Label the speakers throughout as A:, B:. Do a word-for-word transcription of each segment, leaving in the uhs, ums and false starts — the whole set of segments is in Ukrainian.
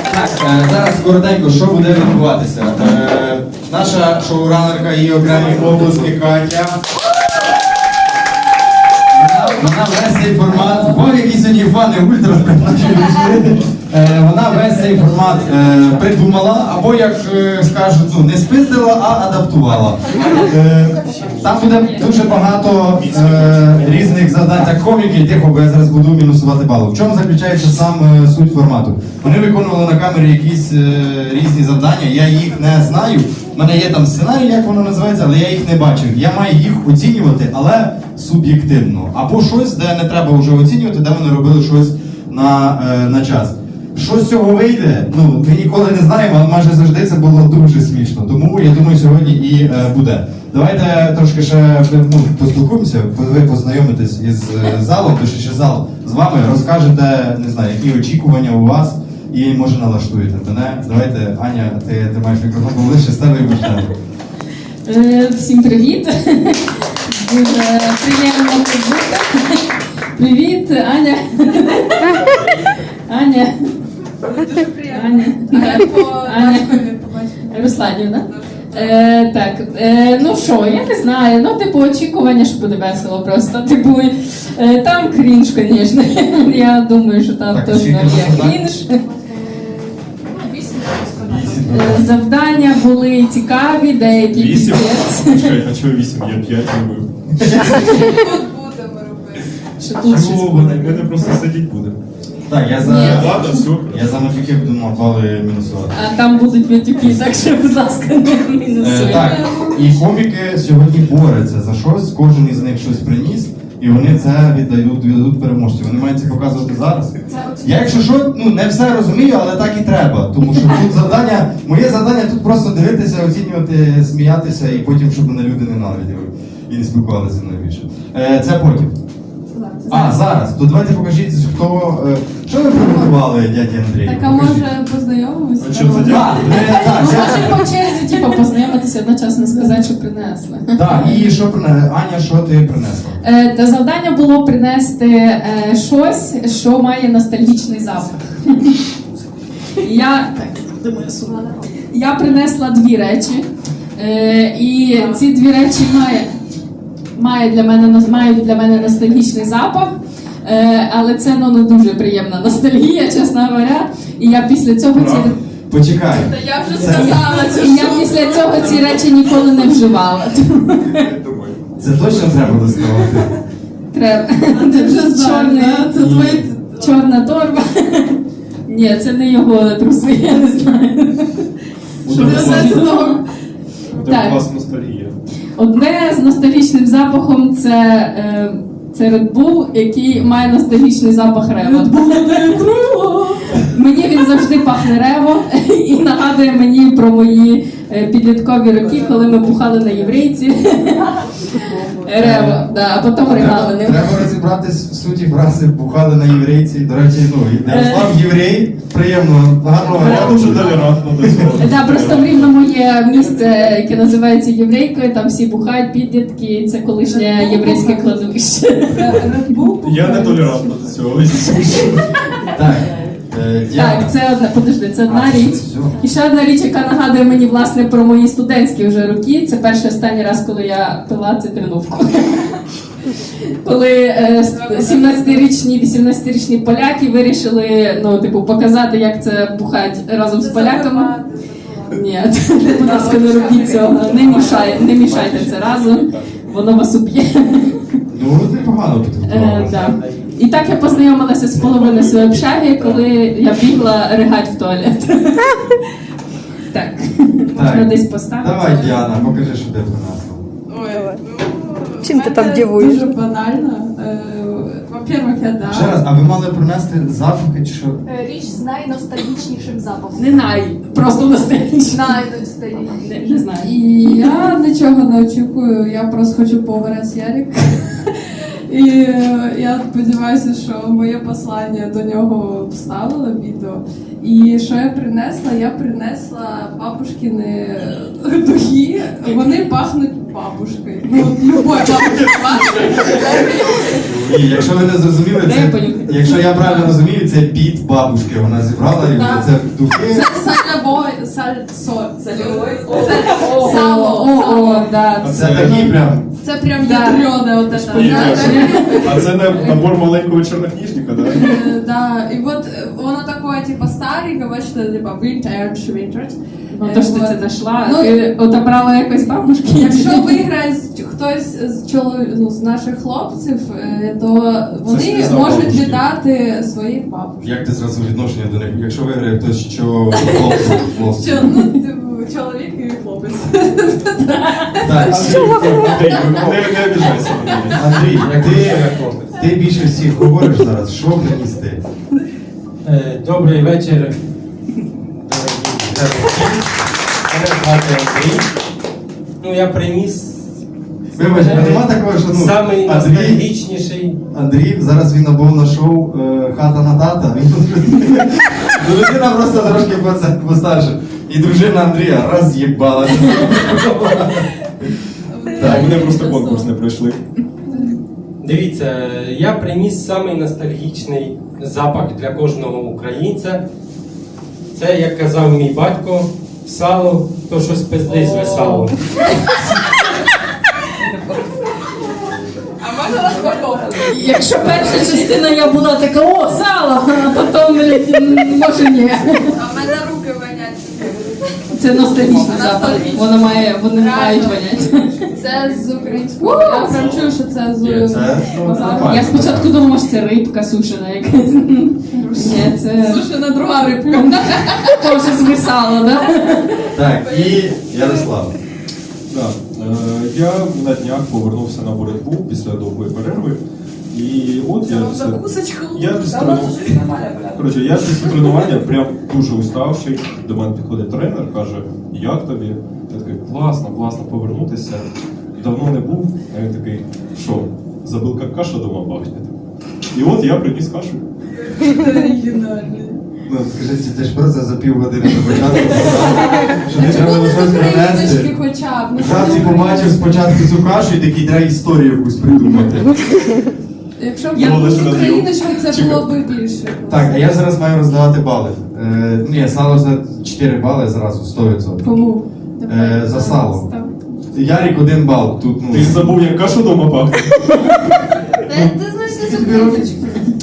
A: Так, е, зараз коротенько, що буде відбуватися. Е, наша шоуранерка і окремі обласки Катя. Вона, вона весь цей формат, бо які сьогодні фани ультра сприймають. Е, вона весь цей формат е, придумала, або, як е, скажуть, ну, не спиздила, а адаптувала. Е, там буде дуже багато е, різних завдань. Так, коміки, тихо, бо я зараз буду мінусувати бали. В чому заключається сам е, суть формату? Вони виконували на камері якісь е, різні завдання, я їх не знаю. У мене є там сценарій, як воно називається, але я їх не бачив. Я маю їх оцінювати, але суб'єктивно. Або щось, де не треба вже оцінювати, де вони робили щось на, е, на час. Що з цього вийде, ну, ми ніколи не знаємо, але майже завжди це було дуже смішно. Тому, я думаю, сьогодні і е, буде. Давайте трошки ще ну, поспілкуємося, ви познайомитесь із е, залом, то ще зал з вами, розкажете, не знаю, які очікування у вас, і, може, налаштуєте мене. Давайте, Аня, ти, ти маєш мікрофон, ближче з тебе і почнемо.
B: Всім привіт! Дуже приємно тут бути. Привіт, Аня. Аня.
C: Дуже приємно.
B: Аня.
C: А по
B: Аня.
C: батькові, по батькові.
B: Русланів, так? Е, так, е, ну що, я не знаю, ну, типу, очікування, що буде весело просто, типу, е, там крінж, звісно, я думаю, що там
A: Так,
B: точно
A: скільки
B: є
A: завдань?
B: крінж.
C: Вісім
B: Е, Завдання були цікаві, деякі
D: Вісім?
B: піздець.
D: Чекай, а чого вісім? Я п'ять робив.
C: Тут будемо робити.
B: Що тут щось
D: Чого?
B: буде.
D: Ми не просто сидіть будемо.
A: Так, я за,
B: Ні.
D: Ладно, супер.
A: я за матюки буду на бали мінусувати.
B: А там будуть матюки, так що, будь ласка, не
A: Е,
B: мінусуйте.
A: так, і коміки сьогодні борються за щось, кожен із них щось приніс, і вони це віддають, віддадуть переможцю. Вони мають це показувати зараз. Я, якщо що, ну не все розумію, але так і треба. Тому що тут завдання, моє завдання тут просто дивитися, оцінювати, сміятися, і потім, щоб мене люди ненавиділи і не спілкувалися зі мною більше. Е, це потім. А, зараз. То давайте покажіть, хто. Е, що ви приготували, дяді Андрій?
C: Так, а може познайомимося?
D: А що це
A: Так,
D: дякую?
A: е, так,
B: Може
A: я-
B: по черзі, типу, познайомитися, одночасно сказати, що принесли.
A: так, і що принесла? Аня, що ти принесла?
B: Е, Та завдання було принести е, щось, що має ностальгічний запах. Я, так, думаю, сумно. Я принесла дві речі, е, і ці дві речі має, має для мене, мають для мене ностальгічний запах, е, але це ну, не дуже приємна ностальгія, чесно говоря. І я після цього ці,
A: Почекай.
C: Та я вже сказала цю
B: і я після цього ці речі ніколи не вживала.
D: Думаю.
A: Це точно треба доставати.
B: Треба.
C: Ти вже знаєш,
B: Чорний-
C: да? Це твої...
B: Чорна торба. Ні, це не його труси, я не знаю.
C: Що
A: Буде
C: все це того?
D: Буде
B: Так.
D: класна ностальгія.
B: Одне з ностальгічним запахом це, е, це Red Bull, який має ностальгічний запах рева. Мені він завжди пахне рево і нагадує мені про мої е, підліткові роки, коли ми бухали на єврейці. Рево, да, а потім ригали ним.
A: Треба розібратись в суті фрази бухали на єврейці. До речі, ну, Ярослав єврей, приємно, гарного
D: Я
A: ряду.
D: дуже толерантно до цього.
B: Да, просто в Рівному є місце, яке називається Єврейкою, там всі бухають, підлітки, це колишнє єврейське кладовище.
C: Red Bull?
D: Я не толерантно до цього.
A: Так, е, Діана.
B: Так, це одна, подожди, це одна
A: А,
B: річ.
A: все.
B: І ще одна річ, яка нагадує мені, власне, про мої студентські вже роки. Це перший останній раз, коли я пила цитринувку. Коли е, с- сімнадцятирічні, вісімнадцятирічні поляки вирішили, ну, типу, показати, як це бухать разом з поляками. Ні, будь ласка, не робіть цього. Не мішай, не мішайте це разом, воно вас уб'є.
A: Ну, непогано
B: Е,
A: підготувалася.
B: да. І так я познайомилася з половиною своєї общаги, коли я бігла ригать в туалет. Так, можна десь поставити.
A: Давай, Діана, покажи, що ти принесла.
C: Ой,
E: Чим ти
C: в
E: там
C: мене
E: дивуєш?
C: Дуже банально. Е, Во-первых, я да.
A: Ще раз, а ви мали принести запахи чи що?
F: Річ з найностальгічнішим запахом.
B: Не най, просто ностальгічно.
F: Найностальгічнішим.
B: Не, не знаю.
C: І я нічого не очікую, я просто хочу поварити Ярик. І е, я сподіваюся, що моє послання до нього вставили в відео. І що я принесла? Я принесла бабушкини духи. Вони пахнуть бабушкой. Ну, вот любой бабушкой.
A: І якщо ви не зрозуміли,
B: Дай
A: це,
B: понюхати.
A: якщо я правильно розумію, це біт бабушки. Вона зібрала і
C: Да.
A: це духи.
C: Сальнобой, саль, соль, сальовой.
B: О,
C: Сало,
B: о,
C: сало.
B: о, да.
A: Це такі прям.
C: Це прям
B: Да.
C: ядрене вот это.
D: Ні,
C: Да, да.
D: А це не набор маленького чорнокнижника, да?
C: Э, Да, и вот э, оно такое, типа, старенькое, вот что, типа, vintage, vintage.
B: Ну,
C: Е,
B: то що ти
C: вот.
B: це знайшла,
C: Ну,
B: ти отобрала якось бабушки.
C: Якщо виграє з- хтось з чоловік, ну, з наших хлопців, е, то вони
D: сліза
C: можуть
D: бабушки.
C: віддати своїх бабушок.
A: Як ти зразу відношення до них? Якщо виграє хтось, що хлопці, хлопці.
C: Що, ну, типу, чоловік і хлопець.
A: Так,
D: Андрій, не, не обіжайся на мене.
A: Андрій, ти, ти більше всіх говориш зараз, що принести?
E: Е, Добрий вечір, дорогі глядачі. Мене звати Андрій. Ну, я приніс
A: Вибач, а нема такого, що ну,
E: самий
A: Андрій,
E: ностальгічніший.
A: Андрій, зараз він набув на шоу е, «Хата на тата». Він ну, людина просто трошки поце- постарше. І дружина Андрія раз їбала.
D: Так, вони просто конкурс не пройшли.
E: Дивіться, я приніс самий ностальгічний запах для кожного українця. Це, як казав мій батько, сало, то щось пиздить з салом.
C: А можна розпаковувати?
B: Якщо перша частина я була така, о, сало, а потім, блядь, м, може ні.
C: А в мене руки вонять.
B: Це ностальгічний запах.
C: Ностальгічний.
B: Воно має, вони
C: Реально.
B: мають воняти.
C: Це з українського. Я прям чую, що це з
A: Це, ну,
C: базару.
A: нормально.
B: Я спочатку думала, що це рибка сушена якась. Ні, це
C: Сушена друга рибка.
B: теж звисало, да?
A: Так, і Ярослав.
D: Да. Е, Я на днях повернувся на боротьбу після довгої перерви. І от я після,
C: Закусочку.
D: я після тренування, коротше, я після тренування прям дуже уставший. До мене підходить тренер, каже, як тобі? Я такий, класно, класно повернутися. Давно не був. А він такий, що, забув, як каша дома пахне? І от я приніс кашу.
C: Оригінальний.
A: Ну, скажіть, ти ж просто за півгодини до початку сказав, що не треба
C: Чому
A: було
C: ти
A: щось
C: з україночки
A: принести.
C: хоча б? Ну,
A: Жав ти побачив спочатку цю кашу і такий, треба історію якусь придумати.
C: Якщо б
D: Я
C: я був
D: лише
C: з
D: роз'їв.
C: україночкою, це
D: Чекай.
C: було б більше.
A: Так, а я зараз маю роздавати бали. Е, ні, сало за чотири бали зразу, сто відсотків.
C: Кому?
A: Е, за сало. Ярик один бал. Тут, ну,
D: Ти забув, як каша дома пахне?
C: Ти ти знаєш, не з україночки.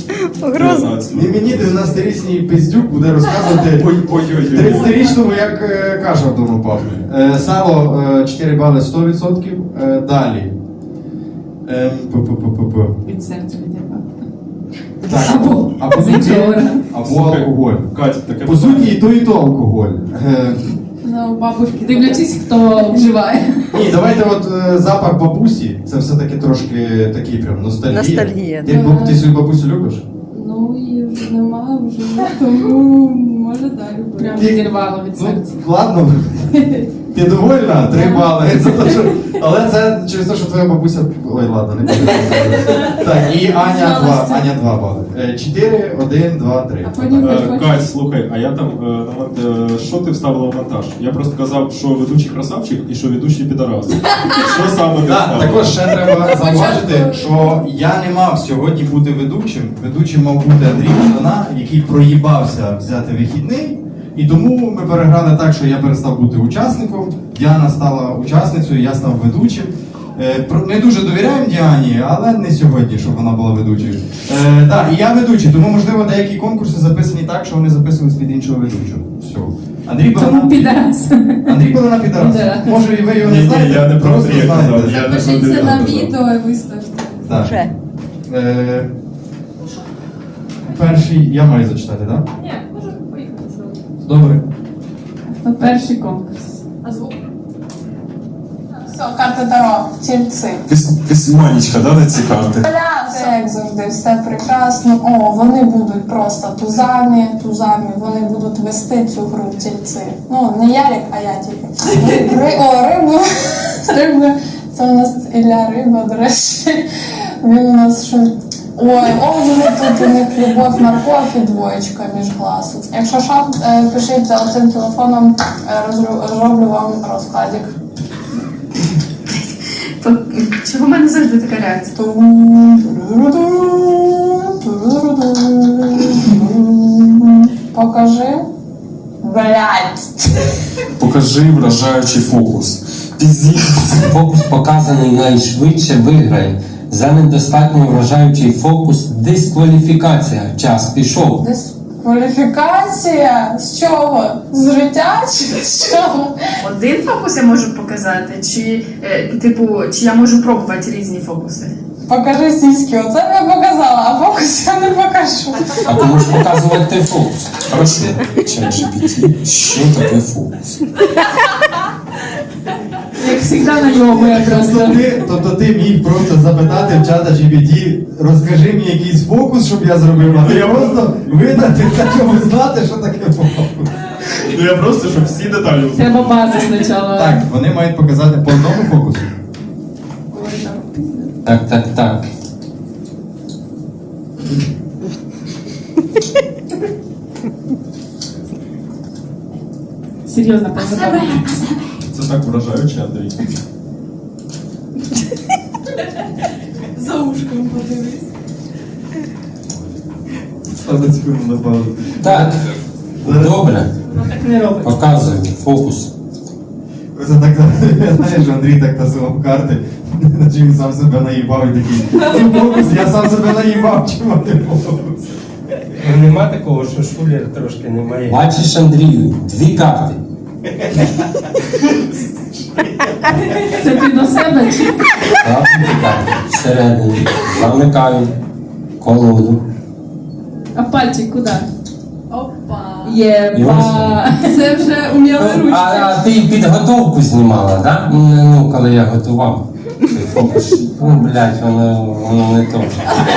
A: І мені дев'яносторічний пиздюк буде розказувати
D: Ой-ой-ой.
A: тридцятирічному, як е, каша вдома пахне. Е, сало е, чотири бали сто відсотків. Е, далі. Ем, пу-пу-пу-пу-пу.
B: Від серця відірвав.
A: Так, або, або,
B: З іншого органу.
A: або
D: Слухай,
A: алкоголь.
D: Кать, таке
A: По суті, і то, і то алкоголь. Е,
C: Ну, бабушки.
B: Дивлячись, хто вживає.
A: ні, давайте от е, запах бабусі, це все-таки трошки такий прям ностальгія.
G: Ностальгія,
A: Ти, баб- ти свою бабусю любиш?
C: Ну, її вже немає, вже тому може далі.
B: Прям
A: Ти-
B: відірвало від
A: Ну,
B: серця.
A: ладно. Ти довольна? Три бали. Це те, що... Але це через те, що твоя бабуся. Ой, ладно, не буду. Так, і Аня два. Аня два бали. Е, Чотири, один, два, три.
C: А потім-
D: Е, Кать, слухай, а я там е, на мон- е, що ти вставила в монтаж? Я просто казав, що ведучий красавчик і що ведучий підарас. Що саме ти
A: Так,
D: вставила?
A: також ще треба зауважити, що я не мав сьогодні бути ведучим. Ведучим мав бути Андрій Ждана, який проїбався взяти вихідний. І тому ми переграли так, що я перестав бути учасником, Діана стала учасницею, я став ведучим. Е, про- Не дуже довіряємо Діані, але не сьогодні, щоб вона була ведучою. Е, так, і я ведучий, тому можливо деякі конкурси записані так, що вони записувались під іншого ведучого. Все. Андрій
B: Тому
A: Балана
B: підарас.
A: Андрій Балана підарас.
B: Да.
A: Може і ви його не
D: Ні, ні,
A: знаєте,
D: я не про
A: просто
D: Андрія казав,
A: знаєте.
D: я не про
C: Запишіться
D: Андрія
C: на
D: казав.
C: відео і виставте.
A: Так.
G: Вже.
A: Е, перший я маю зачитати, так?
C: Ні, може поїхати зразу.
A: Добре.
B: То перший конкурс.
C: А звук? Все, карта Таро, тільці.
D: Письманічка, да, на ці карти?
H: Це як завжди, все прекрасно. О, вони будуть просто тузами, тузами, вони будуть вести цю гру тільці. Ну, не Ярик, а я тільки. Ри, о, рибу. Риби. Це у нас Ілля Риба, до речі. Він у нас що. Ой, о, вони тут у них любов, морков і двоєчка між глаз. Якщо що, е, пишіть за цим телефоном, е, розру- зроблю вам розкладик.
G: То чого в мене завжди така реакція?
H: Покажи. Блять.
I: Покажи вражаючий фокус. Пізді.
E: Фокус показаний найшвидше виграє. За недостатньо вражаючий фокус дискваліфікація. Час пішов.
H: Дискваліфікація? З чого? З життя чи з чого?
G: Один фокус я можу показати, чи е, типу, чи я можу пробувати різні фокуси?
H: Покажи сіськи, оце я показала, а фокус я не покажу.
E: А ти можеш показувати той фокус.
I: Хорошо. ChatGPT. Що таке фокус?
B: Як завжди на ньому якраз.
A: Тобто ти, тобто ти міг просто запитати в чата джі пі ті, розкажи мені якийсь фокус, щоб я зробив, а я просто видати та чому знати, що таке фокус.
D: Ну я просто, щоб всі деталі узнали.
B: Треба базу спочатку.
A: Так, вони мають показати по одному фокусу.
E: Так, так, так.
B: Серйозно, позабавно.
D: Це так вражаюче, Андрій.
C: За ушком подивись.
A: Ставте секунду на паузу.
E: Так. Добре.
B: Так не робить.
E: Показуємо фокус.
A: Це так, знаєш, Андрій так тасував карти, наче він сам себе наїбав і такий, ну фокус, я сам себе наїбав, чому не фокус?
E: Нема такого, що шулер трошки немає. Бачиш, Андрію, дві карти.
B: Це ти до себе чи?
E: Так, дві карти. Всередині. Замикаю колоду.
B: А пальчик куди?
C: Опа.
B: Єба.
C: Це вже уміли
E: Ну,
C: ручки.
E: а, а ти підготовку знімала, так? Ну, коли я готував. Той фокус. Ну, блядь, воно, воно не то.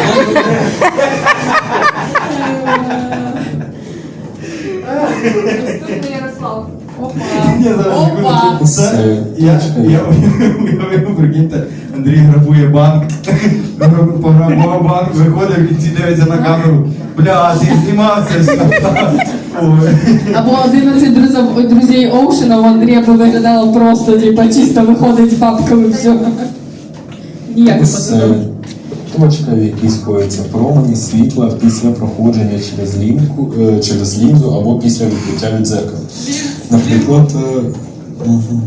F: Наступний Ярослав.
A: Ні, зараз
C: Опа.
A: секунду. Це, я, я уявив, прикиньте, Андрій грабує банк, пограбував банк, виходить, в кінці дивиться на камеру, бля, ти знімав це все. Ой.
B: Або одинадцять друзів, друзей Оушена у Андрія би виглядало просто, типа, чисто виходить з бабками, все. Ніяк не
I: З
B: подобається.
I: точка, в якій сходяться промені світла після проходження через лінку, е, через лінзу або після відбиття від дзеркала. Наприклад, е, мгм.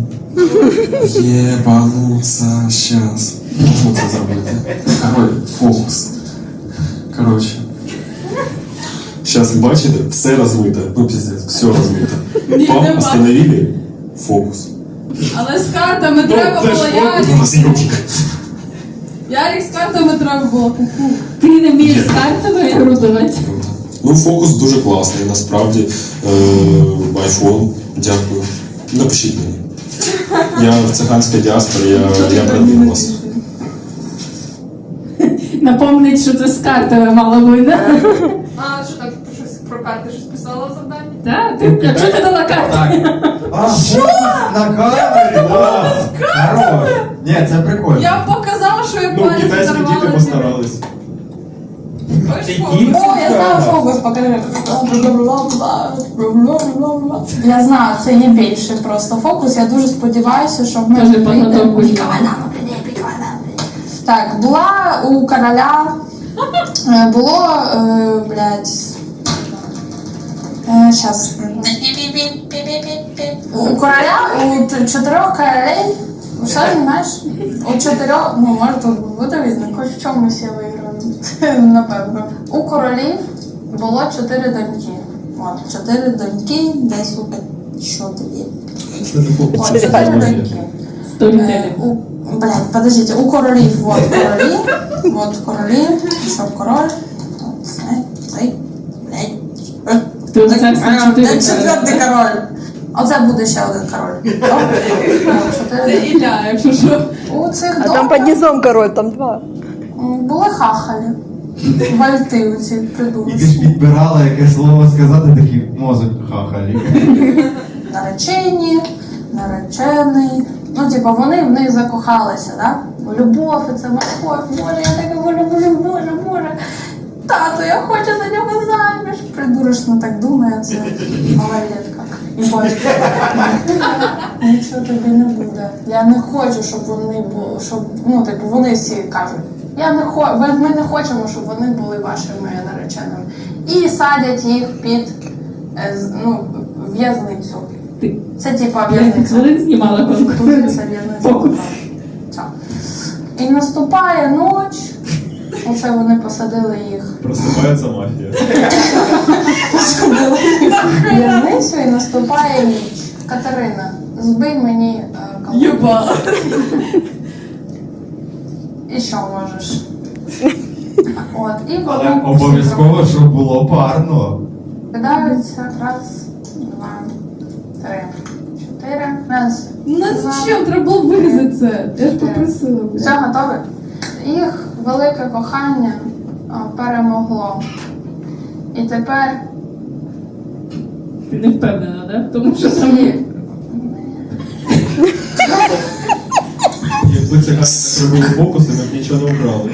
I: Єбануться, щас. Можна це зробити? Король, фокус. Коротше. Щас, бачите, все розмите. Ну, піздець, все розмите.
C: Ні,
I: Пам,
C: нема.
I: остановили, фокус.
C: Але з картами треба
I: це
C: було
I: ж
C: Ярик.
I: фокус на зйомки.
C: Ярик з картами треба було. Ку-ку.
B: Ти не вмієш з картами ігру давати?
I: Ну, фокус дуже класний, насправді. Е, айфон, дякую. Напишіть мені. Я в циганській діаспорі, я, я продвину вас.
B: Напомнить, що це з картами мало бути,
F: А, що так, про щось про карти щось писала в завданні?
B: так? Ти, якщо ти дала карти?
A: Так. А, фокус на камері? О, хорош. Ні, це прикольно.
C: Я показала, що я
D: Ну,
C: палець
D: китайські діти
C: зарвала.
D: постарались.
C: Ось фокус.
H: О, я знаю фокус, покажи. Я знаю, це є більше просто фокус. Я дуже сподіваюся, що в мене
B: Кажи, подготовку
H: вийде.
B: знімай.
H: Так, була у короля, е, було, е, блядь, е, щас. У короля, у т- чотирьох королей, що знаєш? У чотирьох, ну може тут буде видно, хоч в чомусь я виграю, напевно. У королів було чотири доньки. От, чотири доньки, де, сука, що тобі? От, чотири доньки.
B: Сторітелі.
H: Е, у, блядь, подождите, у королів, вот королі, вот королі, що король, от цей, цей, блядь,
B: Ти оце всі чотири
H: Де четвертий король. Оце буде ще один король. Добре? От,
C: Це
H: чотири.
C: Ілля, якщо що.
H: У цих
J: А там
H: домах
J: под низом король, там два.
H: м, були хахалі. Вальти оці
A: І ти ж
H: придурочні.
A: підбирала яке слово сказати, такий мозок хахалі.
H: Наречені, наречений. Ну, типу, вони в них закохалися, да? Любов, і це любов, Боже, я так його люблю, Боже, Боже. Тато, я хочу за нього заміж. Придурочно так думає, це малолетка. І бачиш, нічого тобі не буде. Я не хочу, щоб вони були, щоб, ну, типу, вони всі кажуть, я не хо... ви- ми не хочемо, щоб вони були вашими нареченими. І садять їх під е, з- ну, в'язницю.
B: Ти
H: Це типа
B: п'ять
H: в'язниця.
B: хвилин знімала конкурс.
H: Тут це в'язниця.
B: Фокус.
H: Так. І наступає ніч. Оце вони посадили їх
D: Просипається мафія.
H: в в'язницю і наступає ніч. Катерина, збий мені е, колонку.
C: Єба.
H: І що можеш? От, і
A: Але
H: вони
A: обов'язково, щоб було парно.
H: кидаються. Раз, два, три, чотири. Раз.
C: Ну
H: два.
C: зачем? Треба було вирізати це. Я ж попросила.
H: Все готове? Їх велике кохання а, перемогло. І тепер
B: Ти не впевнена, да? Тому що там
H: всі
D: Якби це не робили фокуси, ми б нічого не вкрали.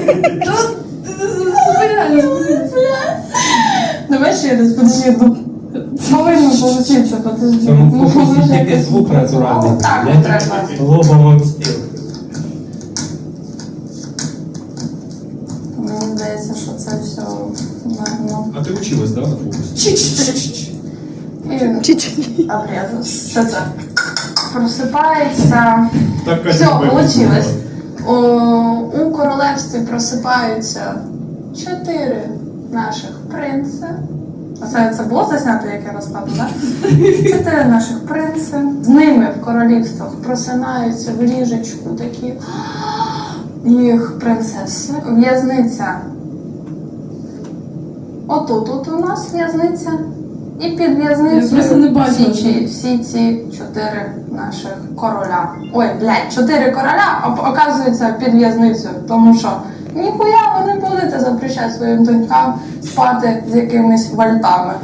H: Давай ще раз, подожди, ну, повинно получиться, подожди.
E: Цьому
H: Ну,
E: фокусі
H: може,
E: тільки
H: якось-
E: звук натуральний.
H: Ну, так,
E: Не
H: от треба.
E: лобом об стіл.
H: Мені здається, що це все ну,
D: А ти училась, да, на фокусі?
H: і обрізу. Все це. Просипається.
D: Так,
H: Все,
D: Катя,
H: получилось. У, у королевстві просипаються чотири наших принца. Оце це було заснято, як я розкладу, так? Чотири наших принци. З ними в королівствах просинаються в ліжечку такі їх принцеси. В'язниця. Отут от у нас в'язниця. І під
C: Я
H: в'язницею
C: просто не бачила,
H: всі, ці- всі ці чотири наших короля. Ой, блядь, чотири короля, а оказується під в'язницею. Тому що ніхуя ви не будете запрещати своїм донькам спати з якимись вальтами.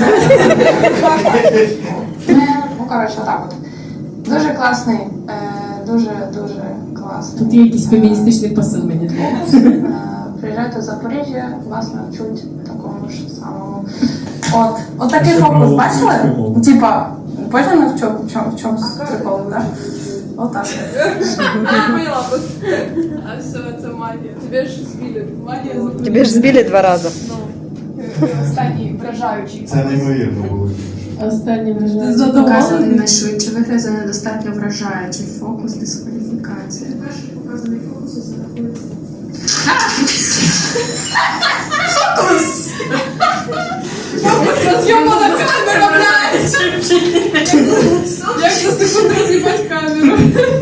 H: Ну, коротше, отак от. Дуже класний, е, дуже, дуже класний.
B: тут є якийсь феміністичний посил, мені здається.
H: Е, Приїжджайте в Запоріжжя, вас навчуть такому ж самому. От, от такий
D: Ще
H: фокус,
D: право
H: бачили?
D: української мови.
H: Типа, поняли в чому, в чому, в чому прикол, так? Отак.
F: Я поняла, просто. А все, це магія. Тебе ж збили. Магія забули.
J: Тебе ж збили два рази.
F: Ну, останній вражаючий.
A: Це неймовірно було.
B: Останнє враження.
G: Показаний
C: Задоволений?
G: найшвидше вигляд за недостатньо вражаючий фокус дискваліфікація.
F: Перший показаний фокус зарахується.
C: Роз'ємана камера, блядь! Як за секунду роз'їбать камеру?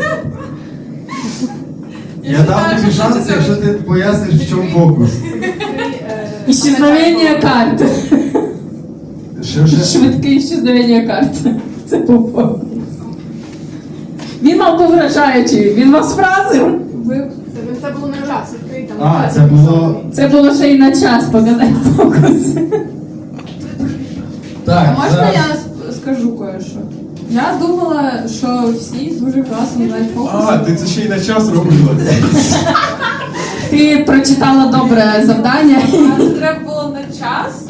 A: Я дам тобі шанс, якщо ти поясниш, в чому фокус.
B: Іщезновення карт.
A: Що ще?
B: Швидке іщезновення карт. Це був фокус. Він мав був вражаючий, він вас вразив.
C: Ви
F: Це було на час, відкрий там.
A: А, це було.
B: Це було ще й на час показати фокус.
A: Так,
C: А можна
A: зараз-
C: я с- скажу кое-що? Я думала, що всі дуже класно знають фокуси.
D: А, ти це ще й на час робила.
B: Ти прочитала добре завдання.
C: А це треба було на час?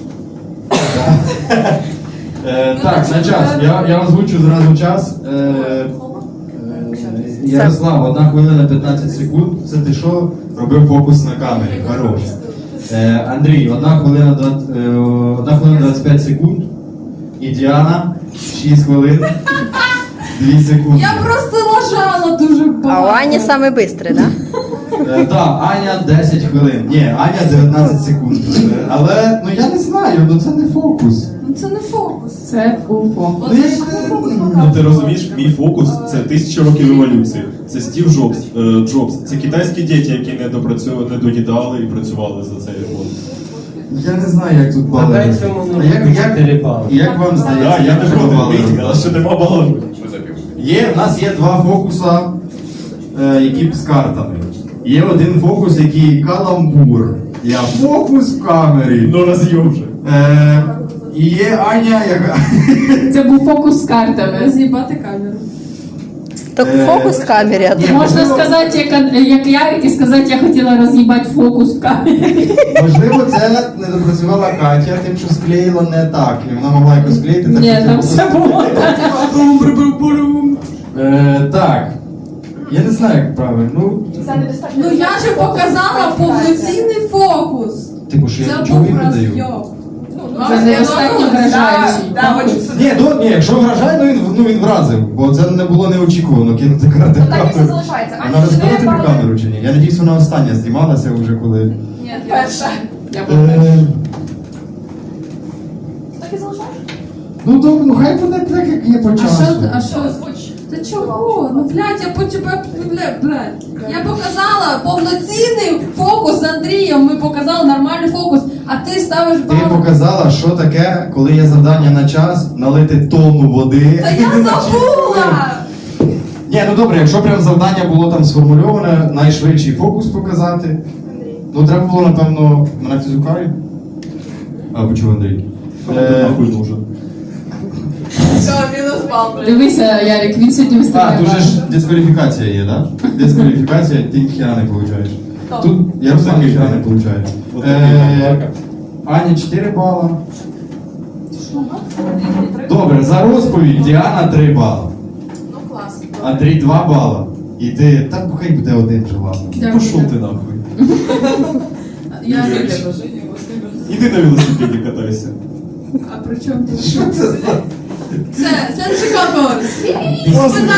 A: Е, так, на час. Я, я озвучу зразу час. Е, е, Ярослав, одна хвилина п'ятнадцять секунд. Це ти що? Робив фокус на камері. Хорош. Е, Андрій, одна хвилина, двадцять- е, одна хвилина двадцять п'ять секунд. І Діана, шість хвилин, дві секунди.
C: Я просто лажала дуже багато.
J: А у Ані саме швидкий, да?
A: Е, Так, Аня десять хвилин. Ні, Аня дев'ятнадцять секунд. Е, Але, ну я не знаю, ну це не фокус.
C: Ну це не фокус.
B: Це уфо.
C: Оце
A: Ну,
C: ж
A: я-
C: не фокус
D: Ну ти
C: показує.
D: розумієш, мій фокус це тисячі років еволюції. Це Стів Джобс, е, Джобс. Це китайські діти, які не допрацювали, не доїдали і працювали за цей год.
A: Я не знаю, як тут бали.
E: Дай цьому
A: А як, як,
E: чотири бали.
A: як вам здається?
D: Так, я не
A: як
D: проти,
A: бали
D: Вітя,
A: роздали?
D: але ще нема балансу.
A: Є, в нас є два фокуса, е, які з картами. Є один фокус, який каламбур. Я фокус в камері.
D: Ну роз'єм вже.
A: Е, і є Аня, яка.
B: Це був фокус з картами.
C: Роз'їбати камеру.
J: Так
A: Е,
J: фокус в камері, а
A: ні,
J: то
B: Можна
A: можливо-
B: сказати, як, як Ярик, і сказати, я хотіла роз'їбати фокус в камері.
A: Можливо, це не допрацювала Катя, тим, що склеїла не так. І вона могла якось склеїти. так,
B: Ні,
A: щоб
B: там
A: це
B: все було так.
A: Е, так. Я не знаю, як правильно. Ну,
C: Ну я же показала повноцінний фокус.
A: типу, що я
C: Це
A: нічого
C: був
A: їм не даю.
C: розйоб.
B: Це недостатньо вражаючий.
A: Ні, ну, ні, якщо вражає, ну він, ну, він вразив, бо це не було неочікувано кинути карати
F: Так і все
A: камеру.
F: залишається.
A: Вона
F: Аня,
A: розбила тобі
F: чотири бали.
A: камеру чи ні? Я надіюсь, вона остання знімалася вже коли.
F: Ні, перша.
B: Я
A: Е,
F: Так і залишаєш?
A: ну добре, ну хай буде так, як є по
C: А
A: часу.
C: що, а що?
F: Озвуч.
C: Та чого? Ну блядь, я по тебе, блядь, блядь. Я показала повноцінний фокус з Андрієм. Ми показали нормальний фокус, а ти ставиш
A: Ти
C: балу.
A: показала, що таке, коли є завдання на час, налити тонну води.
C: Та я забула!
A: Ні, ну добре, якщо прям завдання було там сформульоване, найшвидший фокус показати. Ну треба було, напевно, мене фізукарі. А, почув Андрій.
D: Кому
A: Е,
D: ти нахуй нужен?
F: Все, мінус бал, блядь.
B: Дивися, Ярик, він сьогодні
A: А,
B: виставляє.
A: тут же ж дискваліфікація є, да? Дискваліфікація, ти ніхіра не получаєш. Тут я розумію, ніхіра не получаю.
D: От
A: Е, Аня чотири бала. Добре, за розповідь Діана три бали.
F: Ну клас.
A: Андрій два бала. І ти, так хай буде один же, ладно.
C: Дякую.
D: Пошов ти нахуй.
C: Я
D: Іди на велосипеді катайся.
C: А при чому тут?
A: Що це за...
C: Це, це не конкурс.
A: Просто